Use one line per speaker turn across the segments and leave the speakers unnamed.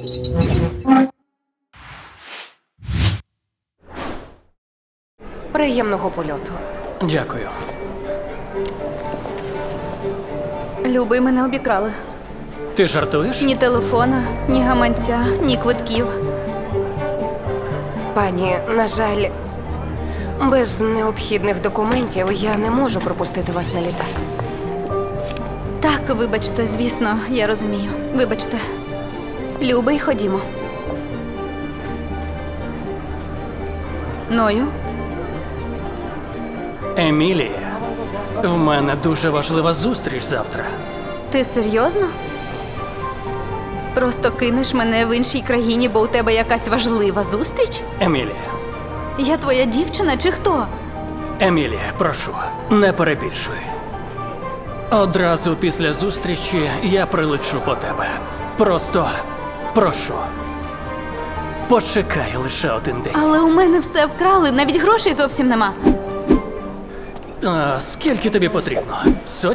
Приємного польоту.
Дякую.
Любий, мене обікрали.
Ти жартуєш?
Ні телефона, ні гаманця, ні квитків.
Пані, на жаль, без необхідних документів я не можу пропустити вас на літак.
Так, вибачте, звісно, я розумію. Вибачте. Любий, ходімо. Ною?
Емілія, в мене дуже важлива зустріч завтра.
Ти серйозно? Просто кинеш мене в іншій країні, бо у тебе якась важлива зустріч?
Емілія,
Я твоя дівчина чи хто?
Емілія, прошу, не перебільшуй. Одразу після зустрічі я прилечу по тебе. Просто прошу. Почекай лише один день.
Але у мене все вкрали, навіть грошей зовсім нема.
А скільки тобі потрібно? 100?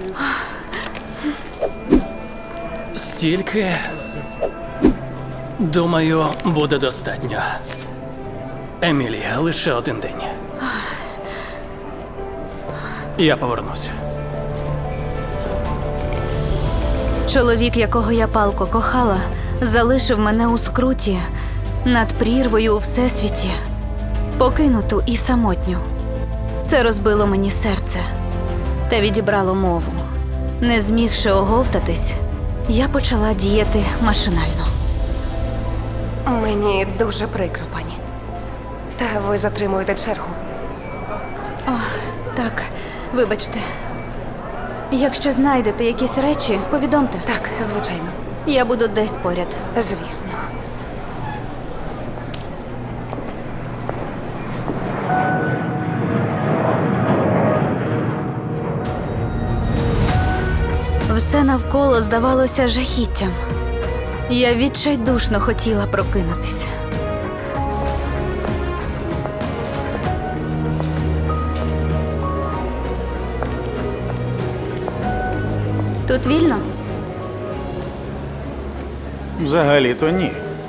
Стільки, думаю, буде достатньо. Емілія, лише один день. Я повернуся.
Чоловік, якого я палко кохала, залишив мене у скруті над прірвою у всесвіті, покинуту і самотню. Це розбило мені серце та відібрало мову. Не змігши оговтатись, я почала діяти машинально.
Мені дуже прикро, пані. Та ви затримуєте чергу.
Так, вибачте. Якщо знайдете якісь речі, повідомте.
Так, звичайно.
Я буду десь поряд.
Звісно.
Все навколо здавалося жахіттям. Я відчайдушно хотіла прокинутися. Тут вільно?
Взагалі-то ні.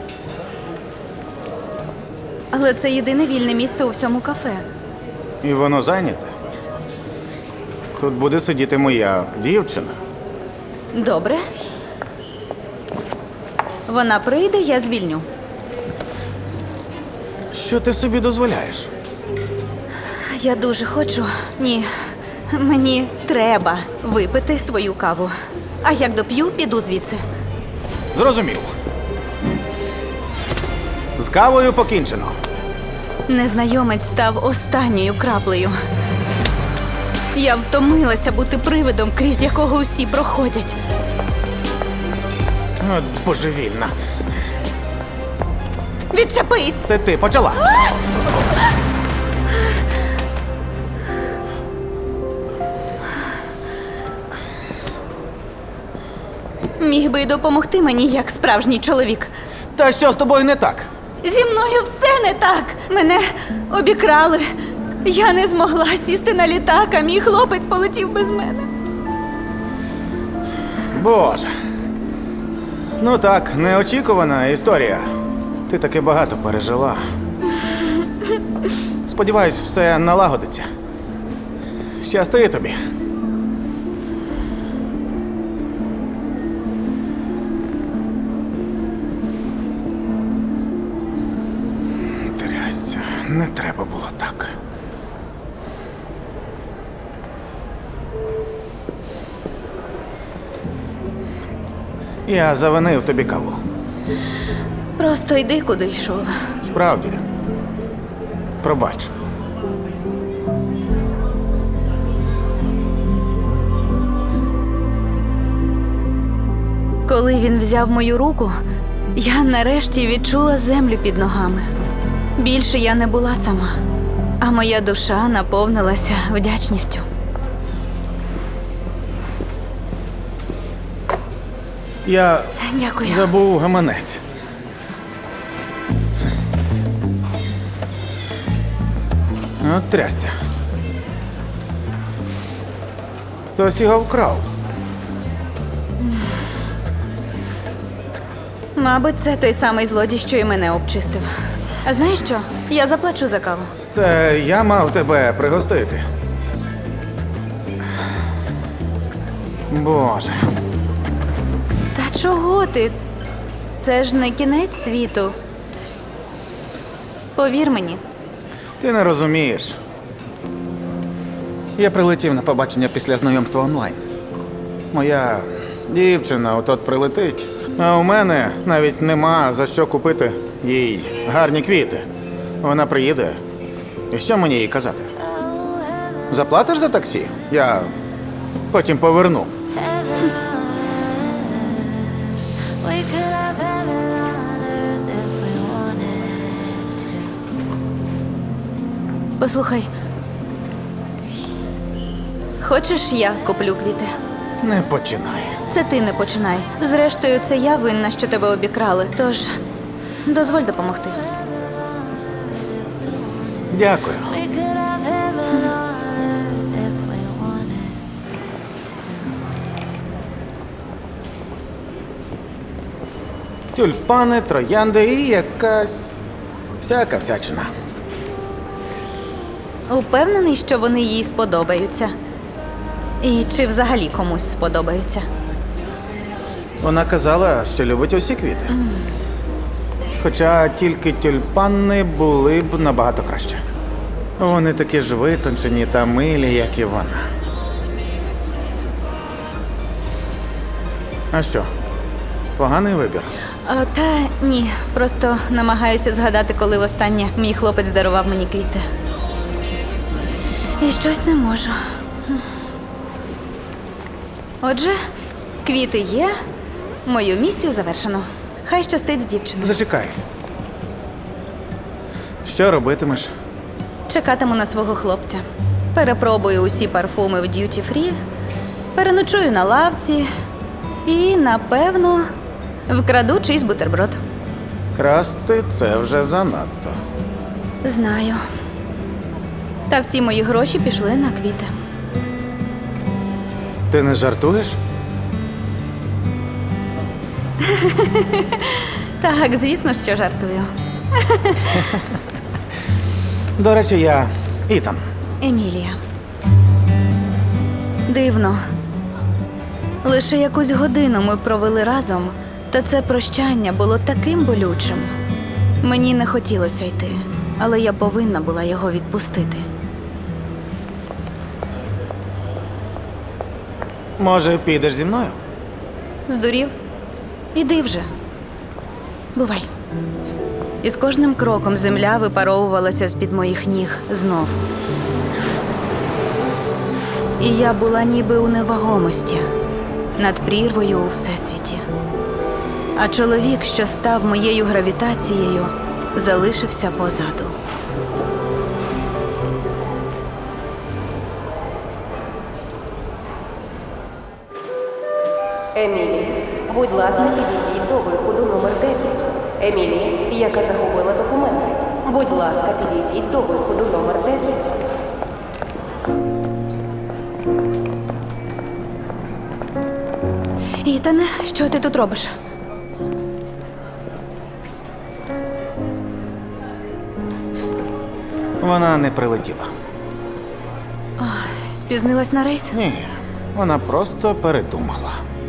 Але це єдине вільне місце у всьому кафе.
І воно зайняте. Тут буде сидіти моя дівчина.
Добре. Вона прийде, я звільню.
Що ти собі дозволяєш?
Я дуже хочу. Ні, мені треба випити свою каву. А як доп'ю, піду звідси.
Зрозумів. З кавою покінчено.
Незнайомець став останньою краплею. Я втомилася бути привидом, крізь якого усі проходять.
От божевільна.
Відчепись!
Це ти почала.
Міг би й допомогти мені, як справжній чоловік.
Та що з тобою не так?
Зі мною все не так. Мене обікрали. Я не змогла сісти на літак, а мій хлопець полетів без мене.
Боже. Ну так, неочікувана історія. Ти таки багато пережила. Сподіваюсь, все налагодиться. Щасти тобі. Трясця, не треба було так. Я завинив тобі каву.
Просто йди, куди йшов.
Справді. Пробач.
Коли він взяв мою руку, я нарешті відчула землю під ногами. Більше я не була сама, а моя душа наповнилася вдячністю.
Я
Дякую.
забув гаманець. От трясся. Хтось його вкрав.
Мабуть, це той самий злодій, що і мене обчистив. А знаєш що? Я заплачу за каву.
Це я мав тебе пригостити. Боже.
Та чого ти? Це ж не кінець світу. Повір мені.
Ти не розумієш. Я прилетів на побачення після знайомства онлайн. Моя дівчина от прилетить, а у мене навіть нема за що купити їй гарні квіти. Вона приїде. І що мені їй казати? Заплатиш за таксі? Я потім поверну.
We could have heaven on earth if we wanted to.
Послухай. Хочеш, я куплю квіти?
Не починай.
Це ти не починай. Зрештою, це я винна, що тебе обікрали. Тож, дозволь допомогти.
Дякую.
We could have heaven on earth if we wanted.
Тюльпани, троянди і якась всяка всячина.
Упевнений, що вони їй сподобаються. І чи взагалі комусь сподобаються?
Вона казала, що любить усі квіти. Хоча тільки тюльпани були б набагато краще. Вони такі ж витончені та милі, як і вона. А що? Поганий вибір.
Та ні, просто намагаюся згадати, коли востаннє мій хлопець дарував мені квіти. І щось не можу. Отже, квіти є, мою місію завершено. Хай щастить з дівчиною.
Зачекай. Що робитимеш?
Чекатиму на свого хлопця. Перепробую усі парфуми в Duty Free, переночую на лавці і, напевно, вкраду чийсь бутерброд.
Красти це вже занадто.
Знаю. Та всі мої гроші пішли на квіти.
Ти не жартуєш?
Так, звісно, що жартую.
До речі, я Ітан.
Емілія. Дивно. Лише якусь годину ми провели разом, та це прощання було таким болючим. Мені не хотілося йти, але я повинна була його відпустити.
Може, підеш зі мною?
Здурів? Іди вже. Бувай. І з кожним кроком земля випаровувалася з-під моїх ніг знов. І я була ніби у невагомості, над прірвою у всесвіті. А чоловік, що став моєю гравітацією, залишився позаду.
Емілі, будь ласка, підійдіть до виходу номер 9. Емілі, яка загубила документи. Будь ласка, підійдіть до виходу номер 9.
Ітане, що ти тут робиш?
Вона не прилетіла.
Спізнилась на рейс?
Ні, вона просто передумала.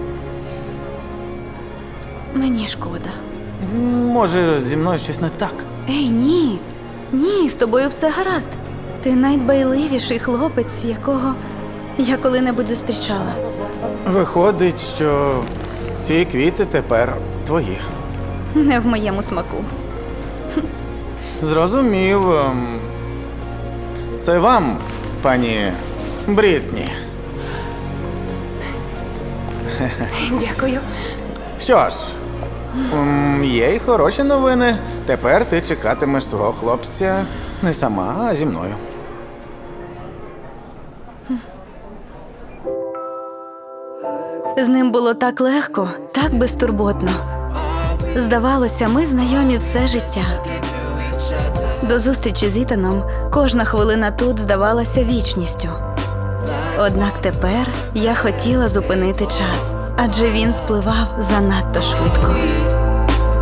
Мені шкода.
Може, зі мною щось не так?
Ей, ні. Ні, з тобою все гаразд. Ти найдбайливіший хлопець, якого я коли-небудь зустрічала.
Виходить, що ці квіти тепер твої.
Не в моєму смаку.
Зрозумів. Це вам, пані Брітні.
Дякую.
Що ж, є й хороші новини. Тепер ти чекатимеш свого хлопця не сама, а зі мною.
З ним було так легко, так безтурботно. Здавалося, ми знайомі все життя. До зустрічі з Ітаном кожна хвилина тут здавалася вічністю. Однак тепер я хотіла зупинити час, адже він спливав занадто швидко.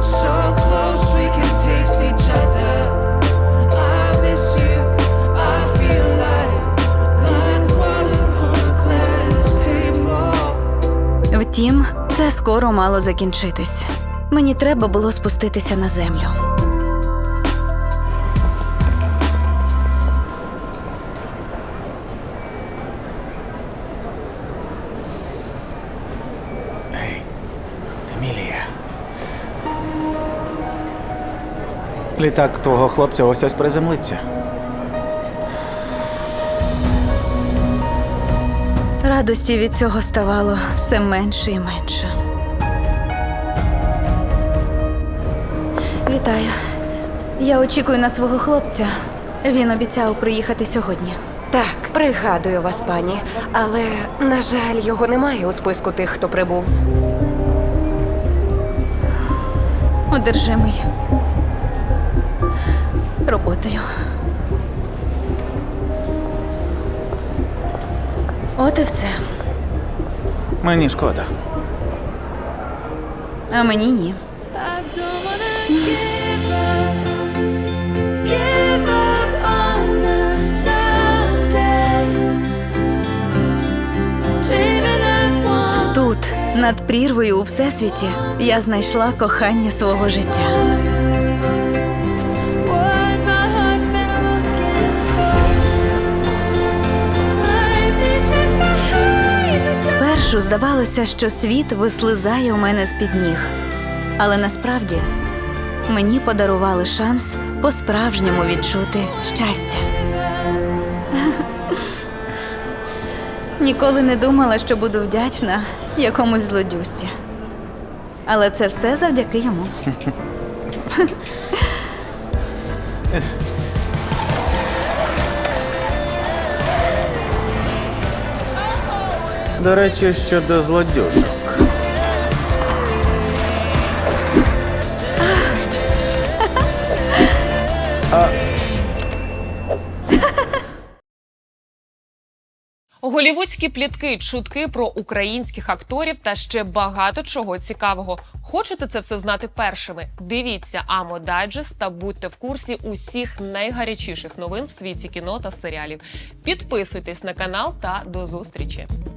скоро мало закінчитись. Мені треба було спуститися на землю.
Ей, Емілія. Літак твого хлопця ось приземлиться.
Радості від цього ставало все менше і менше. Вітаю. Я очікую на свого хлопця. Він обіцяв приїхати сьогодні.
Так, пригадую вас, пані. Але, на жаль, його немає у списку тих, хто прибув.
Одержимий роботою. От і все.
Мені шкода.
А мені ні.
I don't wanna give up on us someday. Dreaming that one
Тут, над прірвою у всесвіті, я знайшла кохання свого життя.
what my heart's been looking for. Might be just behind the
Спершу здавалося, що світ вислизає у мене з-під ніг. Але насправді мені подарували шанс по-справжньому відчути щастя. Ніколи не думала, що буду вдячна якомусь злодюсці. Але це все завдяки йому.
До речі, щодо злодюжок.
Голівудські плітки, чутки про українських акторів та ще багато чого цікавого. Хочете це все знати першими? Дивіться Амо Дайджест та будьте в курсі усіх найгарячіших новин в світі кіно та серіалів. Підписуйтесь на канал та до зустрічі!